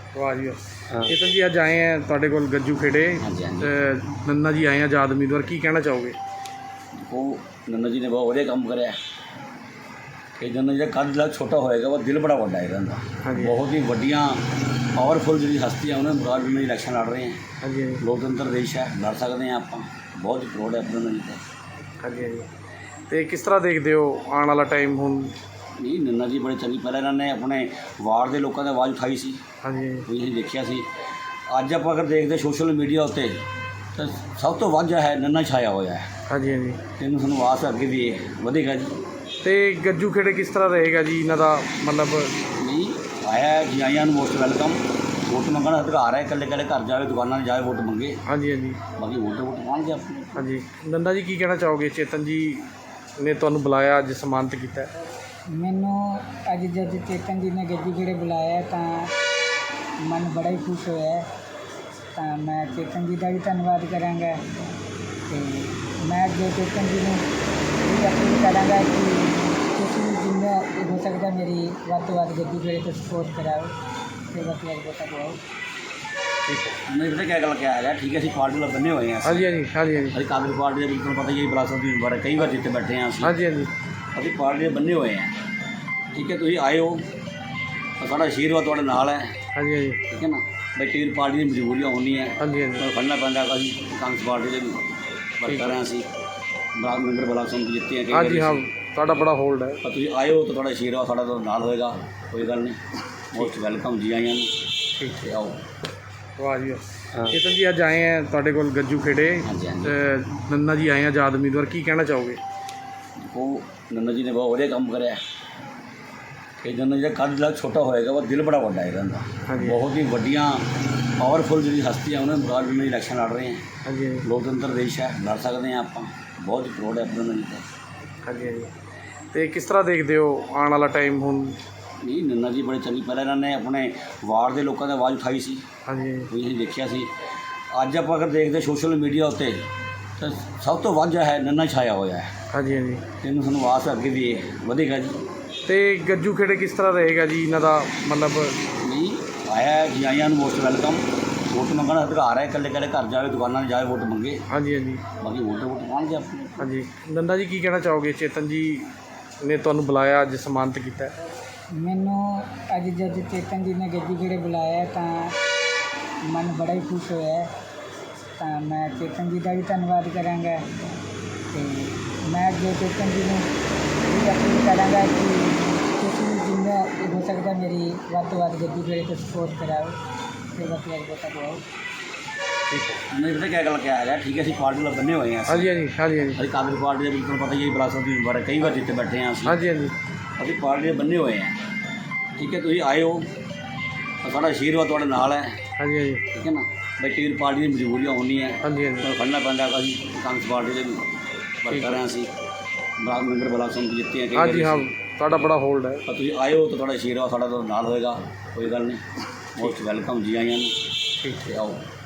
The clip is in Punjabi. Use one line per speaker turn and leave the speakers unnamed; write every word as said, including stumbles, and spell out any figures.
ਵਾਹ ਜੀ ਵਾਹ।
हाँ
ਚੇਤਨ ਜੀ ਅੱਜ ਆਏ ਆ ਤੁਹਾਡੇ ਕੋਲ ਗੱਜੂ ਖੇੜੇ
हाँ जी हाँ जी।
ਅ, ਨੰਨਾ ਜੀ ਆਏ ਆ ਆਜ਼ਾਦ ਉਮੀਦਵਾਰ, ਕੀ ਕਹਿਣਾ ਚਾਹੋਗੇ?
देखो नन्ना जी ने बहुत ਵਧੀਆ ਕੰਮ ਕਰਿਆ ਕਿ ਨੰਨਾ ਜੀ ਦਾ ਕੱਦ ਜਿਹੜਾ ਛੋਟਾ ਹੋਏਗਾ ਉਹ ਦਿਲ ਬੜਾ ਵੱਡਾ ਹੈ ਇਹਨਾਂ ਦਾ।
ਹਾਂਜੀ
ਬਹੁਤ ਹੀ ਵੱਡੀਆਂ ਪਾਵਰਫੁਲ ਜਿਹੜੀ ਹਸਤੀਆਂ ਉਹਨਾਂ ਦੇ ਮੁਕਾਬਲੇ ਵਿੱਚ ਇਲੈਕਸ਼ਨ ਲੜ ਰਹੇ ਹੈ।
ਹਾਂਜੀ ਹਾਂਜੀ
ਲੋਕਤੰਤਰ ਦੇਸ਼ ਹੈ, ਲੜ ਸਕਦੇ ਹਾਂ ਆਪਾਂ। ਬਹੁਤ ਪ੍ਰਾਊਡ ਹੈ ਆਪਣੇ ਨੰਨਾ ਜੀ ਤੇ।
ਹਾਂਜੀ ਹਾਂਜੀ। ਤੇ ਕਿਸ ਤਰ੍ਹਾਂ ਦੇਖਦੇ ਹੋ ਆਉਣ ਵਾਲਾ ਟਾਈਮ ਹੁਣ?
ਨਹੀਂ ਨੰਨਾ ਜੀ ਬੜੇ ਚੰਗੀ, ਪਹਿਲਾਂ ਇਹਨਾਂ ਨੇ ਆਪਣੇ ਵਾਰਡ ਦੇ ਲੋਕਾਂ ਦੀ ਆਵਾਜ਼ ਉਠਾਈ ਸੀ,
ਹਾਂਜੀ ਹਾਂਜੀ
ਤੁਸੀਂ ਅਸੀਂ ਦੇਖਿਆ ਸੀ। ਅੱਜ ਆਪਾਂ ਅਗਰ ਦੇਖਦੇ ਸੋਸ਼ਲ ਮੀਡੀਆ ਉੱਤੇ ਤਾਂ ਸਭ ਤੋਂ ਵੱਧ ਜਿਹੜਾ ਹੈ ਨੰਨਾ ਛਾਇਆ ਹੋਇਆ ਹੈ।
ਹਾਂਜੀ ਹਾਂਜੀ।
ਇਹਨੂੰ ਸਾਨੂੰ ਆਸ ਅੱਗੇ ਵੀ ਇਹ ਵਧੇਗਾ ਜੀ।
ਤੇ ਗੱਜੂ ਖੇੜੇ ਕਿਸ ਤਰ੍ਹਾਂ ਰਹੇਗਾ ਜੀ ਇਹਨਾਂ ਦਾ ਮਤਲਬ?
ਨਹੀਂ ਆਇਆ ਜੀ, ਆਇਆਂ ਨੂੰ ਮੋਸਟ ਵੈਲਕਮ। ਵੋਟ ਮੰਗਣ ਦਾ ਅਧਿਕਾਰ ਹੈ, ਇਕੱਲੇ ਇਕੱਲੇ ਘਰ ਜਾਵੇ, ਦੁਕਾਨਾਂ 'ਤੇ ਜਾਵੇ, ਵੋਟ ਮੰਗੇ।
ਹਾਂਜੀ ਹਾਂਜੀ
ਬਾਕੀ ਵੋਟ ਵੋਟ ਪਾਉਣਗੇ ਆਪਣੇ।
ਹਾਂਜੀ। ਨੰਦਾ ਜੀ ਕੀ ਕਹਿਣਾ ਚਾਹੋਗੇ? ਚੇਤਨ ਜੀ ਨੇ ਤੁਹਾਨੂੰ ਬੁਲਾਇਆ, ਅੱਜ ਸਨਮਾਨਿਤ ਕੀਤਾ ਹੈ।
ਮੈਨੂੰ ਅੱਜ ਜਦ ਚੇਤਨ ਜੀ ਨੇ ਗੱਜੂ ਖੇੜੇ ਬੁਲਾਇਆ ਤਾਂ ਮਨ ਬੜਾ ਹੀ ਖੁਸ਼ ਹੋਇਆ। ਤਾਂ ਮੈਂ ਚੇਤਨ ਜੀ ਦਾ ਵੀ ਧੰਨਵਾਦ ਕਰਾਂਗਾ ਅਤੇ ਮੈਂ ਅੱਗੇ ਚੇਤਨ ਜੀ ਨੂੰ ਇਹ ਅਪੀਲ ਕਰਾਂਗਾ ਕਿ ਤੁਸੀਂ ਵੀ ਜਿੰਨਾ ਹੋ ਸਕਦਾ ਮੇਰੀ ਵੱਧ ਤੋਂ ਵੱਧ ਗੱਜੂ ਖੇੜੇ ਤੋਂ ਸਪੋਰਟ ਕਰਾਓ ਅਤੇ ਵੱਧ ਤੋਂ ਵੱਧ ਵੋਟਾਂ ਪਾਓ।
ਠੀਕ ਹੈ।
ਨਹੀਂ ਪਤਾ ਕਿਆ ਗੱਲ ਕਿਆ ਹੈਗਾ, ਠੀਕ ਹੈ ਅਸੀਂ ਪਾਰਟੀ ਨਾਲ ਬੰਨੇ ਹੋਏ ਹਾਂ।
ਹਾਂਜੀ ਹਾਂਜੀ ਹਾਂਜੀ ਹਾਂਜੀ
ਅਸੀਂ ਕਾਂਗਰਸ ਪਾਰਟੀ ਦੇ ਬਿਲਕੁਲ ਪਤਾ ਹੀ ਹੈ, ਵਿਰਾਸਤ ਦੀ ਉਮਰ ਹੈ, ਕਈ ਵਾਰ ਜਿੱਥੇ ਬੈਠੇ ਹਾਂ ਅਸੀਂ।
ਹਾਂਜੀ ਹਾਂਜੀ
ਅਸੀਂ ਪਾਰਟੀ ਦੇ ਬੰਨੇ ਹੋਏ ਹਾਂ। ਠੀਕ ਹੈ, ਤੁਸੀਂ ਆਏ ਹੋ ਤਾਂ ਸਾਡਾ ਆਸ਼ੀਰਵਾਦ ਤੁਹਾਡੇ ਨਾਲ ਹੈ।
ਹਾਂਜੀ ਹਾਂਜੀ
ਠੀਕ ਹੈ ਨਾ, ਬਈ ਕਈ ਵਾਰ ਪਾਰਟੀ ਦੀ ਮਜਬੂਰੀਆਂ ਹੁੰਦੀਆਂ,
ਹਾਂਜੀ ਹਾਂਜੀ
ਪਰ ਫੜਨਾ ਪੈਂਦਾ। ਅਸੀਂ ਕਾਂਗਰਸ ਪਾਰਟੀ ਦੇ ਵਰਕਰ ਹਾਂ, ਅਸੀਂ ਬਲਾਕ ਮੈਂਬਰ ਬਲਾਕ ਸਮਿਤੀ ਜਿੱਤੇ ਹਾਂ ਕਈ
ਹਾਂਜੀ ਹਾਂ,
ਵਾਰੀ।
ਤੁਹਾਡਾ ਬੜਾ ਹੋਲਡ ਹੈ।
ਪਰ ਤੁਸੀਂ ਆਏ ਹੋ ਤਾਂ ਤੁਹਾਡਾ ਆਸ਼ੀਰਵਾਦ ਸਾਡਾ ਤੁਹਾਡੇ ਨਾਲ ਹੋਏਗਾ, ਕੋਈ ਗੱਲ ਨਹੀਂ। ਮੋਸਟ ਵੈਲਕਮ ਜੀ ਆਇਆਂ ਨੂੰ।
ਠੀਕ
ਤੇ ਆਓ।
ਵਾਹ ਜੀ ਵਾਹ।
ਹਾਂ
ਚੇਤਨ ਜੀ ਅੱਜ ਆਏ ਆ ਤੁਹਾਡੇ ਕੋਲ ਗੱਜੂ ਖੇੜੇ
ਹਾਂਜੀ ਹਾਂਜੀ।
ਅ, ਨੰਨਾ ਜੀ ਆਏ ਆ ਆਜ਼ਾਦ ਉਮੀਦਵਾਰ, ਕੀ ਕਹਿਣਾ ਚਾਹੋਗੇ?
ਦੇਖੋ ਨੰਨਾ ਜੀ ਨੇ ਬਹੁਤ ਵਧੀਆ ਕੰਮ ਕਰਿਆ ਕਿ ਨੰਨਾ ਜੀ ਦਾ ਕੱਦ ਜਿਹੜਾ ਛੋਟਾ ਹੋਏਗਾ ਉਹ ਦਿਲ ਬੜਾ ਵੱਡਾ ਹੈ ਇਹਨਾਂ ਦਾ।
ਹਾਂਜੀ
ਬਹੁਤ ਹੀ ਵੱਡੀਆਂ ਪਾਵਰਫੁਲ ਜਿਹੜੀ ਹਸਤੀਆਂ ਉਹਨਾਂ ਦੇ ਮੁਕਾਬਲੇ ਵਿੱਚ ਇਲੈਕਸ਼ਨ ਲੜ ਰਹੇ ਹੈ।
ਹਾਂਜੀ ਹਾਂਜੀ
ਲੋਕਤੰਤਰ ਦੇਸ਼ ਹੈ, ਲੜ ਸਕਦੇ ਹਾਂ ਆਪਾਂ। ਬਹੁਤ ਪ੍ਰਾਊਡ ਹੈ ਆਪਣੇ ਨੰਨਾ ਜੀ ਤੇ।
ਹਾਂਜੀ ਹਾਂਜੀ। ਤੇ ਕਿਸ ਤਰ੍ਹਾਂ ਦੇਖਦੇ ਹੋ ਆਉਣ ਵਾਲਾ ਟਾਈਮ ਹੁਣ?
ਨਹੀਂ ਨੰਨਾ ਜੀ ਬੜੇ ਚੰਗੀ, ਪਹਿਲਾਂ ਇਹਨਾਂ ਨੇ ਆਪਣੇ ਵਾਰਡ ਦੇ ਲੋਕਾਂ ਦੀ ਆਵਾਜ਼ ਉਠਾਈ ਸੀ,
ਹਾਂਜੀ ਹਾਂਜੀ
ਤੁਸੀਂ ਅਸੀਂ ਦੇਖਿਆ ਸੀ। ਅੱਜ ਆਪਾਂ ਅਗਰ ਦੇਖਦੇ ਸੋਸ਼ਲ ਮੀਡੀਆ ਉੱਤੇ ਤਾਂ ਸਭ ਤੋਂ ਵੱਧ ਜਿਹੜਾ ਹੈ ਨੰਨਾ ਛਾਇਆ ਹੋਇਆ ਹੈ।
ਹਾਂਜੀ ਹਾਂਜੀ।
ਇਹਨੂੰ ਸਾਨੂੰ ਆਸ ਅੱਗੇ ਵੀ ਇਹ ਵਧੇਗਾ ਜੀ।
ਤੇ ਗੱਜੂ ਖੇੜੇ ਕਿਸ ਤਰ੍ਹਾਂ ਰਹੇਗਾ ਜੀ ਇਹਨਾਂ ਦਾ ਮਤਲਬ?
ਨਹੀਂ ਆਇਆ ਜੀ, ਆਇਆਂ ਨੂੰ ਮੋਸਟ ਵੈਲਕਮ। ਵੋਟ ਮੰਗਣ ਦਾ ਅਧਿਕਾਰ ਹੈ, ਇਕੱਲੇ ਇਕੱਲੇ ਘਰ ਜਾਵੇ, ਦੁਕਾਨਾਂ 'ਤੇ ਜਾਵੇ, ਵੋਟ ਮੰਗੇ।
ਹਾਂਜੀ ਹਾਂਜੀ
ਬਾਕੀ ਵੋਟ ਵੋਟ ਪਾਉਣਗੇ ਆਪਣੇ।
ਹਾਂਜੀ। ਨੰਦਾ ਜੀ ਕੀ ਕਹਿਣਾ ਚਾਹੋਗੇ? ਚੇਤਨ ਜੀ ਨੇ ਤੁਹਾਨੂੰ ਬੁਲਾਇਆ, ਅੱਜ ਸਨਮਾਨਿਤ ਕੀਤਾ ਹੈ।
ਮੈਨੂੰ ਅੱਜ ਜਦ ਚੇਤਨ ਜੀ ਨੇ ਗੱਜੂ ਖੇੜੇ ਬੁਲਾਇਆ ਤਾਂ ਮਨ ਬੜਾ ਹੀ ਖੁਸ਼ ਹੋਇਆ। ਤਾਂ ਮੈਂ ਚੇਤਨ ਜੀ ਦਾ ਵੀ ਧੰਨਵਾਦ ਕਰਾਂਗਾ ਅਤੇ ਮੈਂ ਅੱਗੇ ਚੇਤਨ ਜੀ ਨੂੰ ਇਹ ਅਪੀਲ ਕਰਾਂਗਾ ਕਿ ਤੁਸੀਂ ਵੀ ਜਿੰਨਾ ਹੋ ਸਕਦਾ ਮੇਰੀ ਵੱਧ ਤੋਂ ਵੱਧ ਗੱਜੂ ਖੇੜੇ ਤੋਂ ਸਪੋਰਟ ਕਰਾਓ ਅਤੇ ਵੱਧ ਤੋਂ ਵੱਧ ਵੋਟਾਂ ਪਾਓ।
ਠੀਕ ਹੈ।
ਨਹੀਂ ਪਤਾ ਕਿਆ ਗੱਲ ਕਿਆ ਹੈਗਾ, ਠੀਕ ਹੈ ਅਸੀਂ ਪਾਰਟੀ ਨਾਲ ਬੰਨੇ ਹੋਏ ਹਾਂ।
ਹਾਂਜੀ ਹਾਂਜੀ ਹਾਂਜੀ ਹਾਂਜੀ
ਅਸੀਂ ਕਾਂਗਰਸ ਪਾਰਟੀ ਦੇ ਬਿਲਕੁਲ ਪਤਾ ਹੀ ਹੈ, ਵਿਰਾਸਤ ਦੀ ਉਮਰ ਹੈ, ਕਈ ਵਾਰ ਜਿੱਥੇ ਬੈਠੇ ਹਾਂ ਅਸੀਂ।
ਹਾਂਜੀ ਹਾਂਜੀ
ਅਸੀਂ ਪਾਰਟੀ ਦੇ ਬੰਨੇ ਹੋਏ ਹਾਂ। ਠੀਕ ਹੈ, ਤੁਸੀਂ ਆਏ ਹੋ ਤਾਂ ਸਾਡਾ ਆਸ਼ੀਰਵਾਦ ਤੁਹਾਡੇ ਨਾਲ ਹੈ।
ਹਾਂਜੀ ਹਾਂਜੀ
ਠੀਕ ਹੈ ਨਾ, ਬਈ ਕਈ ਵਾਰ ਪਾਰਟੀ ਦੀ ਮਜਬੂਰੀਆਂ ਹੁੰਦੀਆਂ,
ਹਾਂਜੀ ਹਾਂਜੀ
ਪਰ ਫੜਨਾ ਪੈਂਦਾ। ਅਸੀਂ ਕਾਂਗਰਸ ਪਾਰਟੀ ਦੇ ਵਰਕਰ ਹਾਂ, ਅਸੀਂ ਬਲਾਕ ਮੈਂਬਰ ਬਲਾਕ ਸਮਿਤੀ ਜਿੱਤੇ ਹਾਂ ਕਈ
ਹਾਂਜੀ
ਵਾਰੀ
ਹਾਂ,
ਅਸੀਂ।
ਤੁਹਾਡਾ ਬੜਾ ਹੋਲਡ ਹੈ।
ਪਰ ਤੁਸੀਂ ਆਏ ਹੋ ਤਾਂ ਤੁਹਾਡਾ ਆਸ਼ੀਰਵਾਦ ਸਾਡਾ ਤੁਹਾਡੇ ਨਾਲ ਹੋਏਗਾ, ਕੋਈ ਗੱਲ ਨਹੀਂ। ਮੋਸਟ ਵੈਲਕਮ ਜੀ ਆਇਆਂ ਨੂੰ।
ਠੀਕ
ਤੇ
ਹੈ।
ਆਓ।